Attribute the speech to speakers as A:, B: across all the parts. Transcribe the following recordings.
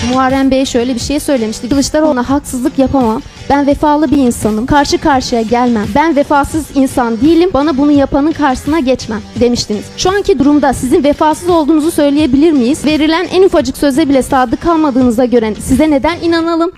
A: Muharrem Bey şöyle bir şey söylemişti. Kılıçdaroğlu'na haksızlık yapamam. Ben vefalı bir insanım. Karşı karşıya gelmem. Ben vefasız insan değilim. Bana bunu yapanın karşısına geçmem demiştiniz. Şu anki durumda sizin vefasız olduğunuzu söyleyebilir miyiz? Verilen en ufacık söze bile sadık kalmadığınıza göre size neden inanalım?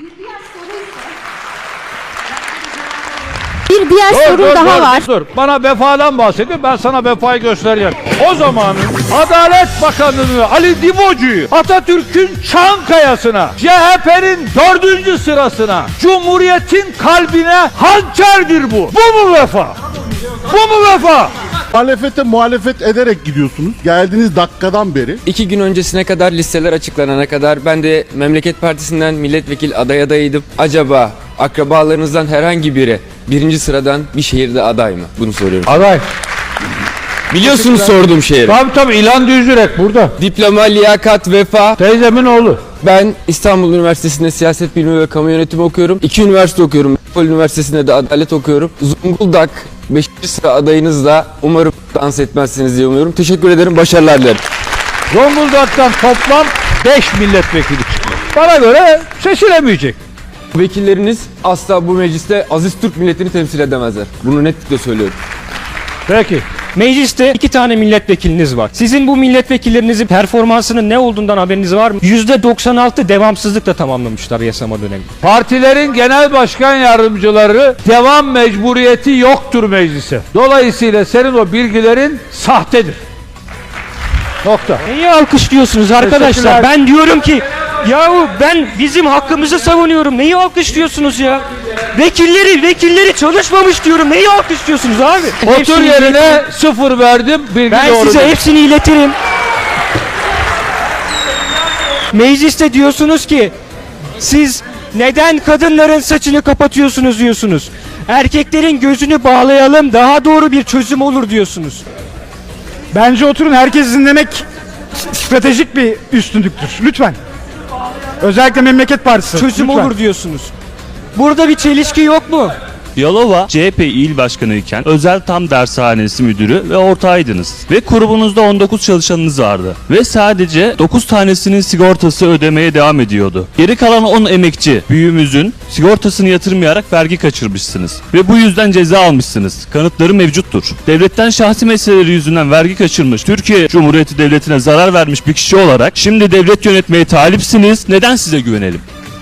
A: Bir diğer sorum daha var.
B: Dur. Bana vefadan bahsediyor. Ben sana vefayı göstereceğim. O zamanın Adalet Bakanı'nı Ali Divocu'yu Atatürk'ün Çankaya'sına, CHP'nin 4. sırasına, Cumhuriyet'in kalbine hançerdir bu. Bu mu vefa? Bu mu vefa?
C: Muhalefete muhalefet ederek gidiyorsunuz. Geldiğiniz dakikadan beri.
D: 2 gün öncesine kadar listeler açıklanana kadar ben de Memleket Partisi'nden milletvekili adayıydım. Acaba akrabalarınızdan herhangi biri 1. sıradan bir şehirde aday mı? Bunu soruyorum.
B: Aday.
D: Biliyorsunuz sorduğum şehri.
B: Tabii İlhan Düzürek burada.
D: Diploma, liyakat, vefa.
B: Teyzemin oğlu.
D: Ben İstanbul Üniversitesi'nde siyaset bilimi ve kamu yönetimi okuyorum. 2 üniversite okuyorum. Metropol Üniversitesi'nde de adalet okuyorum. Zonguldak 5. sıra adayınızla umarım dans etmezsiniz diye umuyorum. Teşekkür ederim. Başarılar dilerim.
B: Zonguldak'tan toplam 5 milletvekili çıkıyor. Bana göre seçilemeyecek.
D: Vekilleriniz asla bu mecliste aziz Türk milletini temsil edemezler. Bunu netlikle söylüyorum.
B: Peki.
E: Mecliste 2 tane milletvekiliniz var. Sizin bu milletvekillerinizin performansının ne olduğundan haberiniz var mı? %96 devamsızlıkla tamamlamışlar yasama dönemi.
B: Partilerin genel başkan yardımcıları devam mecburiyeti yoktur meclise. Dolayısıyla senin o bilgilerin sahtedir. Nokta.
E: Neyi alkışlıyorsunuz arkadaşlar? Ben diyorum ki yahu ben bizim hakkımızı savunuyorum. Neyi alkışlıyorsunuz ya? Vekilleri çalışmamış diyorum. Neyi alkışlıyorsunuz abi?
B: Otur yerine 0 verdim. Bilgi
E: Ben
B: doğru
E: size
B: değil.
E: hepsini iletirim. Mecliste diyorsunuz ki siz neden kadınların saçını kapatıyorsunuz diyorsunuz. Erkeklerin gözünü bağlayalım daha doğru bir çözüm olur diyorsunuz.
F: Bence oturun, herkes dinlemek stratejik bir üstünlüktür. Lütfen. Özellikle Memleket Partisi.
E: Çözüm
F: lütfen.
E: olur diyorsunuz. Burada bir çelişki yok mu?
G: Yalova CHP İl Başkanı iken Özel Tam Dershanesi Müdürü ve ortağıydınız. Ve grubunuzda 19 çalışanınız vardı. Ve sadece 9 tanesinin sigortası ödemeye devam ediyordu. Geri kalan 10 emekçi büyüğümüzün sigortasını yatırmayarak vergi kaçırmışsınız. Ve bu yüzden ceza almışsınız. Kanıtları mevcuttur. Devletten şahsi meseleleri yüzünden vergi kaçırmış, Türkiye Cumhuriyeti Devleti'ne zarar vermiş bir kişi olarak şimdi devlet yönetmeye talipsiniz. Neden size güvenelim?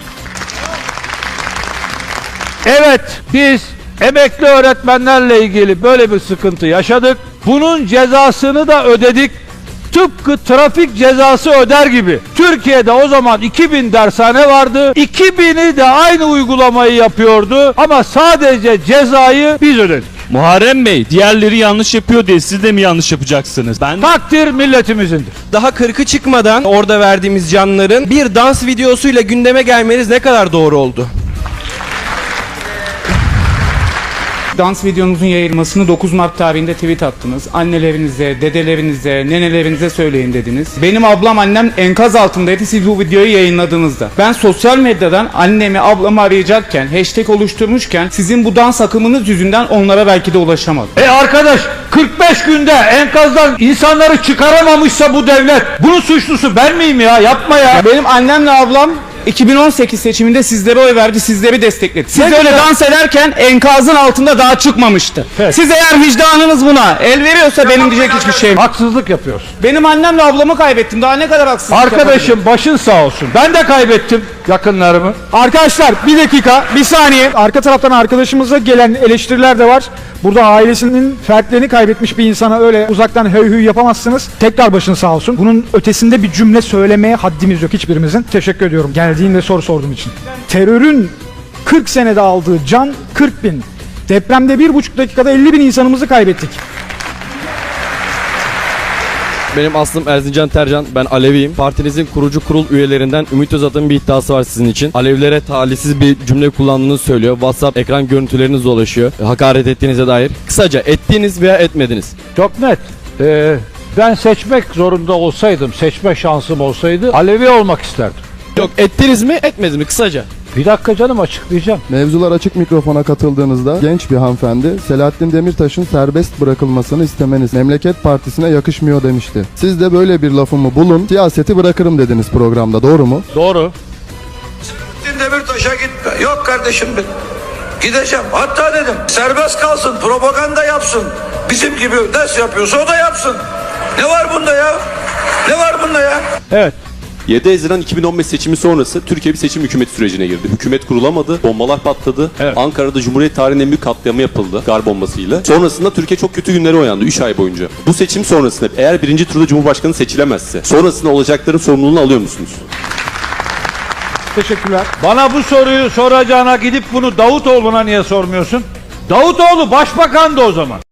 B: Evet, biz emekli öğretmenlerle ilgili böyle bir sıkıntı yaşadık. Bunun cezasını da ödedik. Tıpkı trafik cezası öder gibi. Türkiye'de o zaman 2000 dershane vardı. 2000'i de aynı uygulamayı yapıyordu. Ama sadece cezayı biz ödedik.
G: Muharrem Bey, diğerleri yanlış yapıyor diye siz de mi yanlış yapacaksınız?
B: Takdir milletimizindir.
H: Daha 40'ı çıkmadan orada verdiğimiz canların bir dans videosuyla gündeme gelmeniz ne kadar doğru oldu?
I: Dans videonuzun yayılmasını 9 Mart tarihinde tweet attınız. Annelerinize, dedelerinize, nenelerinize söyleyin dediniz. Benim ablam annem enkaz altındaydı siz bu videoyu yayınladığınızda. Ben sosyal medyadan annemi ablamı arayacakken, hashtag oluşturmuşken sizin bu dans akımınız yüzünden onlara belki de ulaşamadım.
B: Arkadaş 45 günde enkazdan insanları çıkaramamışsa bu devlet bunun suçlusu ben miyim ya? Yapma ya.
I: Benim annemle ablam 2018 seçiminde sizlere oy verdi, sizleri destekledi. Siz öyle dans ederken enkazın altında daha çıkmamıştı.
B: Evet.
I: Siz eğer vicdanınız buna el veriyorsa benim diyecek hiçbir şeyim yok.
B: Haksızlık yapıyorsun.
I: Benim annemle ablamı kaybettim. Daha ne kadar haksızlık
B: Arkadaşım başın sağ olsun. Ben de kaybettim yakınlarımı.
F: Arkadaşlar bir dakika, bir saniye. Arka taraftan arkadaşımıza gelen eleştiriler de var. Burada ailesinin fertlerini kaybetmiş bir insana öyle uzaktan höy höy yapamazsınız. Tekrar başın sağ olsun. Bunun ötesinde bir cümle söylemeye haddimiz yok hiçbirimizin. Teşekkür ediyorum geldiğin ve soru sorduğun için. Terörün 40 senede aldığı can 40 bin. Depremde 1,5 dakikada 50 bin insanımızı kaybettik.
J: Benim aslım Erzincan Tercan, ben Aleviyim. Partinizin kurucu kurul üyelerinden Ümit Özat'ın bir iddiası var sizin için. Alevilere talihsiz bir cümle kullandığınızı söylüyor. WhatsApp ekran görüntüleriniz dolaşıyor. Hakaret ettiğinize dair. Kısaca ettiniz veya etmediniz.
B: Çok net. Ben seçmek zorunda olsaydım, seçme şansım olsaydı Alevi olmak isterdim.
J: Yok, ettiniz mi etmediniz mi kısaca?
B: Bir dakika canım, açıklayacağım.
K: Mevzular Açık Mikrofon'a katıldığınızda genç bir hanımefendi Selahattin Demirtaş'ın serbest bırakılmasını istemeniz Memleket Partisi'ne yakışmıyor demişti. Siz de böyle bir lafımı bulun, siyaseti bırakırım dediniz programda, doğru mu?
B: Doğru.
L: Demirtaş'a gitme. Yok kardeşim ben gideceğim. Hatta dedim serbest kalsın, propaganda yapsın. Bizim gibi ders yapıyorsa o da yapsın. Ne var bunda ya? Ne var bunda ya?
B: Evet.
M: 7 Haziran 2015 seçimi sonrası Türkiye bir seçim hükümeti sürecine girdi. Hükümet kurulamadı, bombalar patladı.
B: Evet.
M: Ankara'da Cumhuriyet tarihinin en büyük katliamı yapıldı gar bombasıyla. Sonrasında Türkiye çok kötü günlere uyandı 3 ay boyunca. Bu seçim sonrasında eğer birinci turda Cumhurbaşkanı seçilemezse sonrasında olacakların sorumluluğunu alıyor musunuz?
F: Teşekkürler.
B: Bana bu soruyu soracağına gidip bunu Davutoğlu'na niye sormuyorsun? Davutoğlu başbakandı o zaman.